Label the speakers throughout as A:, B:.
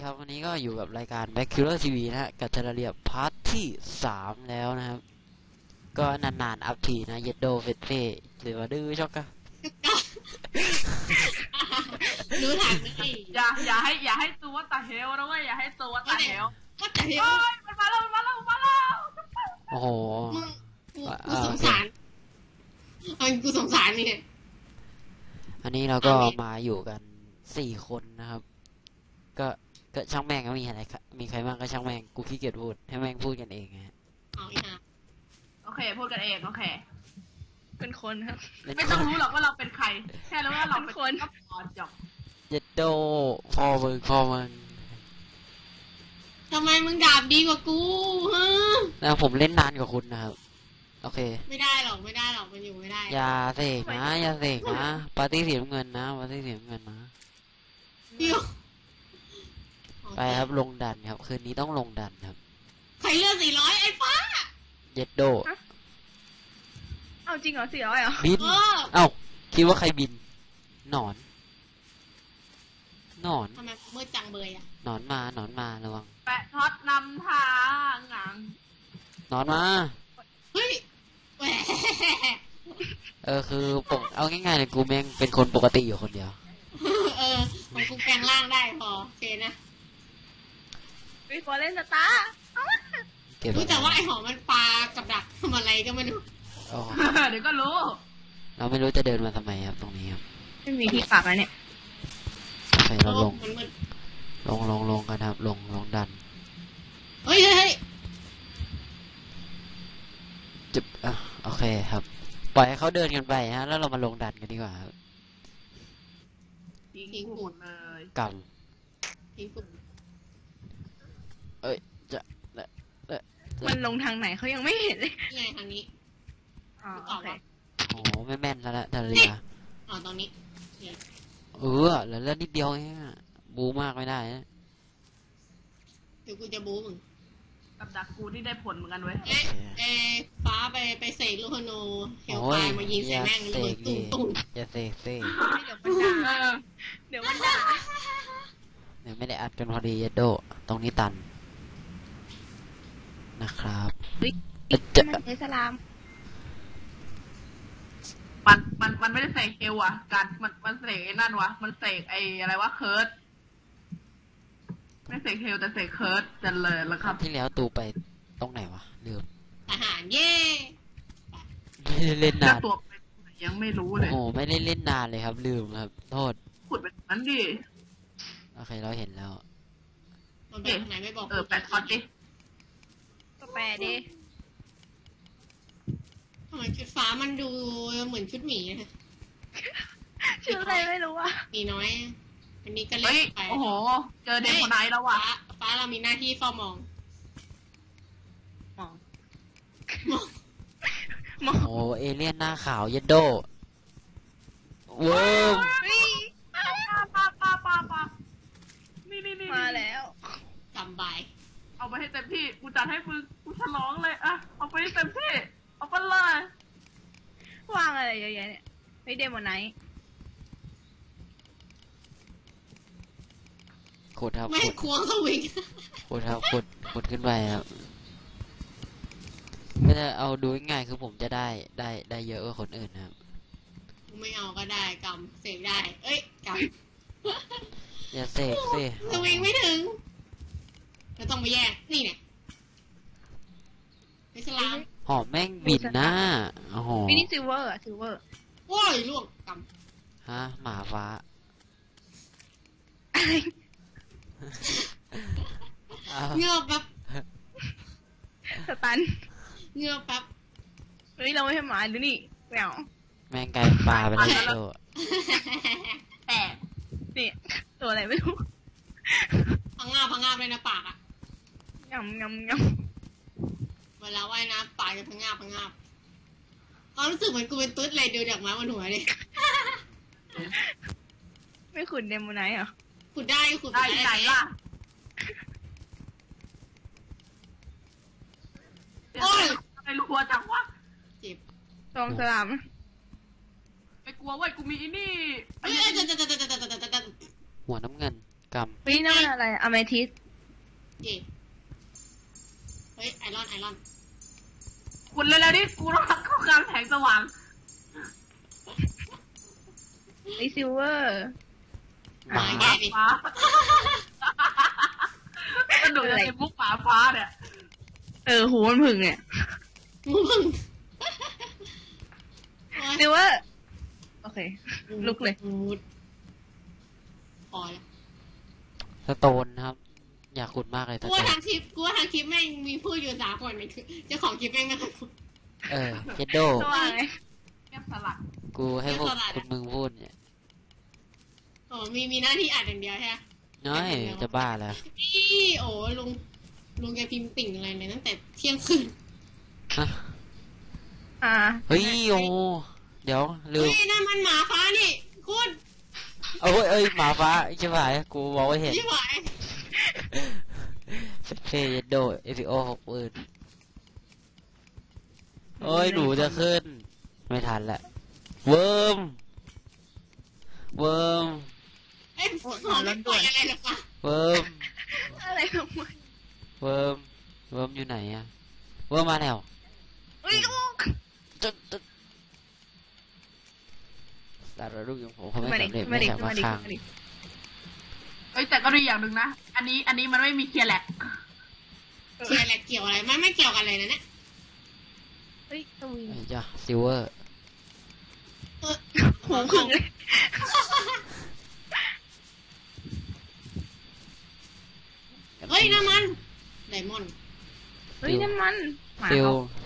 A: ครับวันนี้ก็อยู่กับรายการ Back Killer TV นะฮะกับเทเลเรียพาร์ทที่3แล้วนะครับก็นานๆอัพทีนะเยดโดเฟสเฟ่หรือว่าดื้อช็อกกะ
B: รู้ทันไหม
C: อย่าให้ตัวตาเฮลนะเว้ยอย่าให้ตัวตาเฮล
B: ก็แต่เฮล
C: มันมาแล้ว
A: โอ้โห
B: กูสงสารกูสงสารนี่
A: อันนี้เราก็มาอยู่กัน4 คนนะครับก็ช่างแม่งก็มีอะไรมีใครบ้างก็ช่างแม่งกูขี้เกียจพูดให้แม่งพูดกันเองฮะ
C: โอเคพูดกันเองโอเค
D: เป็นคนครับ
C: ไม่ต้องรู้หรอกว่าเราเป็นใครแค่รู้ว่าเราเป็นคนก็พอจบ
A: เยดโดพอมึง
B: ทำไมมึงดาบดีกว่ากูฮะ
A: แล้วผมเล่นนานกว่าคุณนะครับโอเค
B: ไม่ได้หรอกมันอยู่ไม่ได้
A: อย่าเสกนะปาร์ตี้สีน้ำเงินนะไปครับลงดันครับคืนนี้ต้องลงดันครับ
B: ใครเลือก400ไอ้ฟ้า
A: เย็ดโด
D: เอาจริงเหรอ400เหรอ
A: บินเอ้าคิดว่าใครบินหนอน
B: ทำไมมืดจังเบยอ่ะ
A: หนอนมาระวัง
C: แปะท็อตนำทางหงัง
A: หนอนมา
B: เฮ้ย
A: คือเอาง่ายๆเลยกูแม่งเป็นคนปกติอยู่คนเดียว
B: มันกูแปลงร่างได้พอเจนะ
D: วิฟอร์เล่นสตาร์
B: รู้แต่ว่าไอหอมมันปลากับดักทำอะไรก็ไม่รู้
C: เดี๋ยวก็รู้
A: เราไม่รู้จะเดินมาทำไมครับตรงนี้ครับ
D: ไม่มีที่ปักแล้วเนี่ย
A: ใส่เราลงกันครับลงดัน
B: เฮ้ย
A: จุบโอเคครับปล่อยให้เขาเดินกันไปฮะแล้วเรามาลงดันกันดีกว่าครับ
C: ทิ้งหมดเลย
A: กำ
D: มันลงทางไหนเขายังไม่เห็นเลย
B: ไงทางนี้
D: โอเค
A: โอ้ไม่แม่นแล้วทะเล
B: ตรงนี้
A: แล้วนิดเดียวเองบูมากไม่ได้นะ
B: เดี๋ยวกูจะบูมึง
C: กับดักกูที่ได้ผลเหมือนกันเว้ย
B: ฟ้าไปเสกลูกธนูเฮลไฟมายิงใส่แม่งเลยตุ้ม
A: อย่าเสก
D: เดี๋ยวมันด่า
A: ไม่ได้อัดกันพอดีโดตรงนี้ตันนะครับ
D: มันอิสลาม
C: มันไม่ได้เสกเฮลอะการมันเสกนั่นวะมันเสกไออะไรวะเคิร์ดไม่เสกเฮลแต่เสกเคิร์ดจันเลยแล้วครับ
A: ที่แล้วตูไปตรงไหนวะลืม
B: อาหารเย่
A: ไม่ได้เล่นนาน
C: ตัวยังไม่รู้เลย
A: โอ้ไม่ได้เล่นนานเลยครับลืมครับโทษ
C: ขุดแบบนั้นดิ
A: โอเคเราเห็นแล้ว
B: มันเป็นไหนไม่บอก
C: แปะท็อตดิ
D: ก็แปะดิ
B: ทำไมชุดฟ้ามันดูเหมือนชุดหมีนะ
D: ชุดอะไรไม่รู้อ่ะ
B: มีน้อยอันนี้ก็เล็กไป
C: โอ้โหเจอเด็กคนไหนแล้ววะ
B: ฟ้าเรามีหน้าที่เฝ้ามอง
A: โอ้เอเลี่ยนหน้าขาวเยดโดเวิร์ม
C: นี่
D: มาแล้ว
B: จำใบ
C: เอาไปให้เต็มที่กูจัดให้มึงกูฉลองเลยอะเอาไปให้เต็มที่เอาไปเลย
D: ว่างอะไรเยอะแยะเนี่ยไม่เดโมไนท์
A: ขุดครับ
B: ไม่ควงสวิง
A: ขุดครับขุดขึ้นไปครับก็จะเอาดูง่ายคือผมจะได้เยอะกว่าคนอื่นนะครับ
B: ไม่เอาก็ได้กำเสกได้เอ้ยก
A: ำอย่าเสกสิ
B: สวิงไม่ถึงเราต้องไปแยกนี่เนี่ยอิสลาม
A: หอมแม่งบินหน้าโอ้โห
D: มินิซิลเวอร์
B: โว้ยล่วงก
A: ำฮะหมาฟ้า
B: เงือบแป๊บ
D: สตัน
B: เงือบแป๊บ
D: เฮ้ยเราไม่ให้หมาดูนี่แมว
A: แม่งไก่ปลาไปแล้ว
C: แต่
D: นี่ตัวอะไรไม่รู้
B: พังงาบเลยนะปากอ่ะ
D: งำ
B: เวลาว่ายน้ำปากจะพังงาบความรู้สึกเหมือนกูเป็นตุ๊ดเลยดูจากม้าบนหัวเลย
D: ไม่ขุดเดโมไนท์เหรอ
B: ขุดได้
C: ไหนล่ะโอ้ยไอ้ลูกวัวจังวะ
B: เจ็บ
D: ตองสลาม
C: ไม่กลัวเว้ยกูมีนี่
A: หัวน้ำเงินก
D: เฮ้ยนั่นมันอะไรอะเมทิส
B: เย่เฮ้ยไอรอน
C: คุณเร็วๆดิกูต้องเข้าการแสงสว่าง
D: ไอซิลเวอร์
A: ำหมา
B: แย่ดิ
C: ฟ้าสนุกอะไรพวกหมาฟ้าเนี่ย
D: หูมันผึ่งเนี่ย
B: มึง
D: ซิลเวอร์โอเค ลุกเลย
B: พอแล้ว
A: สโตนนะครับ อยากขุดมากเลยส
B: กู
A: โต
B: ว่าน ทางคลิปแม่งมีพูดอยู่3 คนนี่คือเจ้าของคลิปแม่งไม่เคยพูด
A: เจดโด
D: สว่างไง
C: แก้มสลัด
A: กูให้พวก
B: เรียกว่าอะไร
A: คุณมึงพูดเนี่ย
B: อ๋อมีหน้าที่อ่านอย่างเดียวใช่ไหม
A: น้อยจะบ้าแล้ว
B: นี่โอ้ลุงแกพิมพ์ติ่งอะไรเนี่ยตั้งแต่เที่ยงคืน
A: ฮะ
D: อ่า
A: เฮ้ยโอเดี๋ยวลืม
B: เฮ้ยนั่นมันหมาฟ้านี่คุณ
A: เอ้ยหมาฟ้าใช่ไหมกูบอกว่าเห็น
B: ยี่หวาย
A: เจโดเอฟิโอ60,000โอ้ยหนูจะขึ้น ไม่ทันละเวิร์ม
B: เอ้ยขอไม่ปล่อยอะไรหรอกปะ
A: เวิร์ม
D: อะไรของมัน
A: เวิร์มอยู่ไหนอะเวิร์มมาแล้ว
D: เฮ้ยลูก
A: ตึ๊ดสารรูปของผมเขาไม่
D: มาดิ
A: สำเร็จ
D: มา
A: ไม่
D: ดิ
A: จาก
D: มา
A: ว่า
D: ดิ
A: ค้าง
D: มาดิ
C: เอ้ยแต่ก็ดูอย่างหนึ่งนะ อันนี้มันไม่มีเคลียร์แหลก
B: เกี่ยวอะไรเกี่ยวอะไรมันไม่เกี่ยวกันเลยนะเนี่ย
D: เฮ้ยตรงนี้
A: ไอ้จ้าซิลเวอร์
D: หูผึ่งเลย
B: เฮ้ยน้ำมันไดมอนด์
D: เฮ้ยนั่นมันหมา
A: ซิล
D: เขา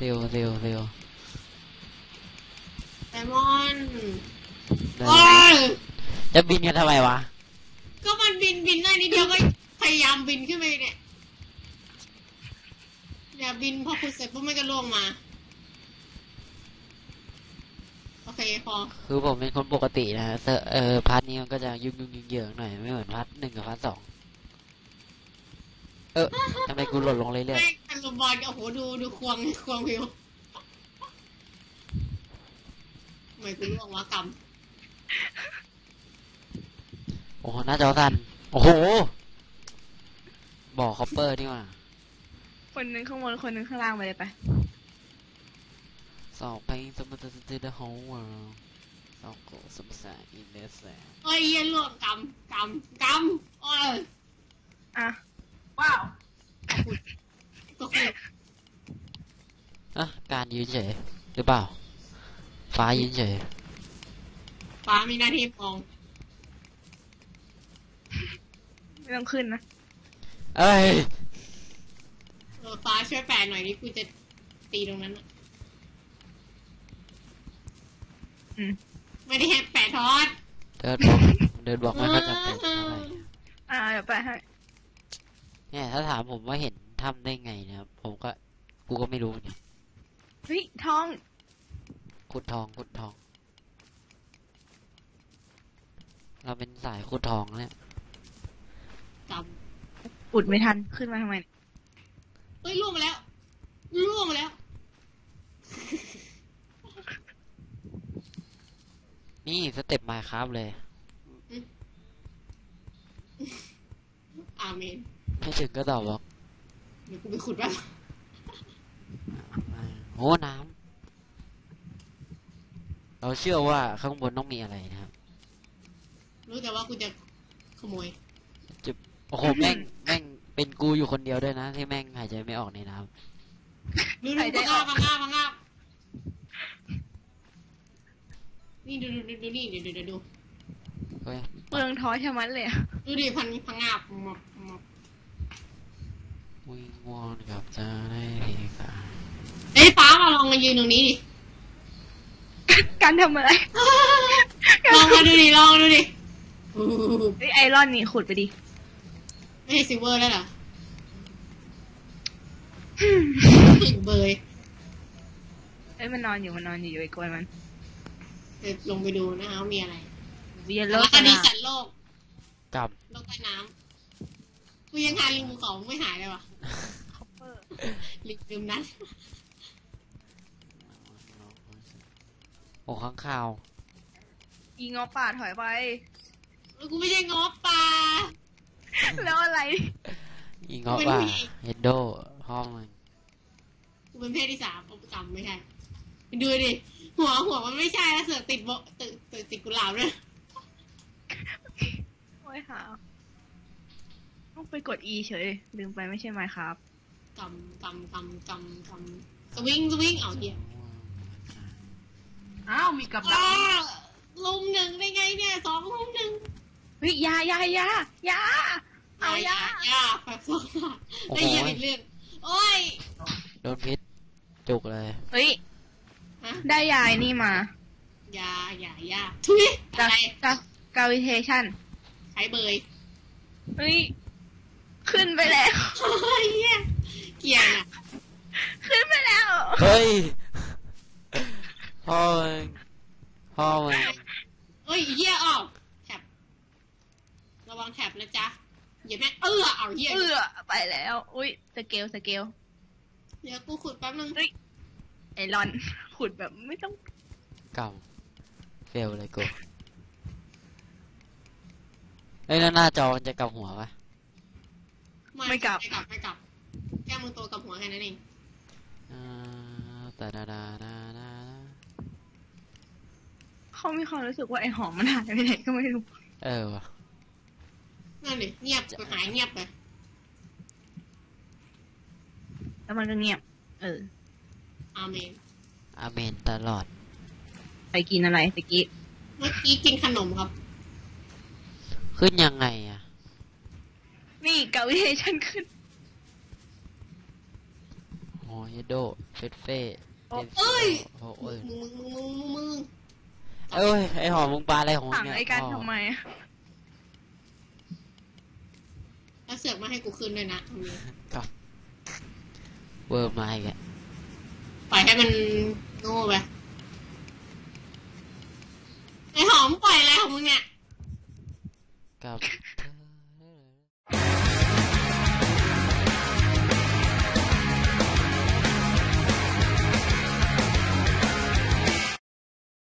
B: ไดมอนด์
A: ได้
B: โอ้ย
A: จะบินกันทำไมวะ
B: ก็มันบินได้นิดเดียวก็พยายามบินขึ้นไปเนี่ยอย่าบินพอขุดเสร็จปุ๊บมันก็ล่วงมาโอเคพอ
A: คือผมเป็นคนปกตินะฮะพาร์ทนี้มันก็จะยุ่งเหยิงๆหน่อยไม่เหมือนพาร์ท1กับพาร์ท2ทำไมกูหล่นลงเรื่อย
B: ไม่อันลมบอลโอ้โหดูควงผิวไม่กูล่วงวะกรรม
A: ๆโอ้โหหน้าจอสั่นโอ้โหบ่อคอปเปอร์นี่หว่า
D: คนหนึงข้างบนคนหนึงข้างล่างไปเลยไป
A: สองเพลงสมมติจะได้หัวสองโกสมศาอินเดสแส
B: เอ้ยเหี้ยล่วงกรรมโอ้ย
D: อ่ะ
C: ว้าว
B: ก็คือ
A: การยืนเฉยหรือเปล่า ฟ้ายืนเฉย
B: ฟ้ามีหน้าที่มอง
D: ไม่ต้องขึ้นนะ
A: เอ้ย
B: ฟ้าช่วยแปลหน่อยดิกูจะตีตรงนั้นน่ะ
D: อืม
B: ไม่ได้ให้แปะทอด
A: เดินบอกไม่ค่อยจำเป็นอะไร
D: เดี๋ยวไปให้
A: เนี่ยถ้าถามผมว่าเห็นทำได้ไงนะครับกูก็ไม่รู้เนี่ย
D: เฮ้ยทอง
A: ขุดทอง เราเป็นสายขุดทองเนี่ย
B: กรรม
D: อุดไม่ทันขึ้นมาทำไมเนี่ย
B: เฮ้ยล่วงมาแล้ว
A: นี่สเต็ปมาครับเลย
B: อาเมน
A: ไม่ถึงก็ตอบบอก
B: เดี๋ยวกูไปขุดแป๊บ
A: โอ้น้ำเราเชื่อว่าข้างบนต้องมีอะไรนะครับ
B: รู้แต่ว่ากูจะขโมย
A: โอ้โหแม่งเป็นกูอยู่คนเดียวด้วยนะที่แม่งหายใจไม่ออกในน้
B: ดูพังงาบนี่ดูนี่เดี๋ยวดู
A: ำเฮ้ย
D: เปลืองท้อชะมัดเลยอะ
B: ดูดิพังงาบมอบ
A: วิงวอนกับจะได้เพกา
B: เอ้ยฟ้ามาลองมายืนตรงนี้ดิ
D: การทำอะไร
B: ลองดูดิ
D: เฮ้ยไอรอนนี่ขุดไปดิ
B: ไม่ใช่ซิลเวอร์แล้วเหรอถึงเบย
D: เอ้ยมันนอนอยู่อยู่ไอ้กวนมัน
B: เดี๋ยวลงไปดูนะคะว่ามีอะไร
D: เวียน
B: แล้
D: โล
B: ว
D: ก
B: ก็
D: ส
B: ดี
D: นา
B: สัตว์โลก
A: กับ
B: โลกใต้น้ำกูยังหาลิงภูเขาไม่หายเลยวะลิงลืมนั้น
A: โอ้ข้างข่าว
D: อีงอป่าถอยไป
B: แล้วกูไม่ใช่งอปลา
D: แล้วอะไร
A: อีงอกว่าเฮดโดพ่อมึง
B: กูเป็นเพศที่สามเอาจำไม่ใช่ดูดิหัวมันไม่ใช่แล้วเสือกติดโบติดกุหลาบเลย
D: โอ้ยค่ะต้องไปกด E เฉยลืมไปไม่ใช่ไหมครับ
B: กำสวิงเอาเหี้ย
C: อ้าวมีกับดัก
B: ลุมหนึ่งได้ไงเนี่ย2 ลุม 1
D: เฮ้ยยายเอายา
B: แบบสองได้ยินอีกเรื่องโอ้ย
A: โดนพิษจุกเลย
D: เฮ้ย
B: ฮะ
D: ได้ยายนี่มาย
B: าทุย
D: กา
B: อะไร
D: กาวิเทชัน
B: ใช้เบย
D: เฮ้ย ขึ้นไปแล้ว
B: เฮ้ยเกียร์น่ะ
D: ขึ้นไปแล้ว
A: เฮ้ยพ่อมึง
B: เอ้ยเหี้ยออกแท็บระวังแท็บนะจ๊ะอย่าแม่เอาเหี้ย
D: ไปแล้ว อุ้ยสเกล
B: เดี๋ยวกูขุดแป๊บนึง
D: ไอรอน ขุดแบบไม่ต้อง
A: เก่าเฟลเลยกูเอ้ยแล้วหน้าจอมันจะกลับหัวปะ
B: ไม่กลับแค่มึงตัวกับหัวแค่นั้นเอง
A: แต่ดา
D: เขามีความรู้สึกว่าไอหอมมันหายไปไหนก็ไม่รู้
A: ว่ะ
B: นั่นดิเงียบหายเงียบไป
D: แล้วมันก็เงียบ
B: อาเมน
A: อาเมนตลอด
D: ไปกินอะไรตะกี้
B: เมื่อกี้กินขนมครับ
A: ขึ้นยังไงอ่ะ
D: นี่กาวิเทชันขึ้น
A: โอ้ยโดเฟสเฟ่
D: โอ้
A: เอ้ย
B: มึง
A: เอ้ยไอหอมมึงปลาอะไรของมึ
D: สั่
A: ง
D: ง
A: เนี่ย
D: ไอ้กันทำไม
B: แล้วเสือกมาให้กูคืนด้วยนะอาเมน
A: ครับเวิร์มมาอีกอะ
B: ปล่อยให้มันโง่ไปไอหอมปล่อยอะไรของมึงเนี่ย
A: กับ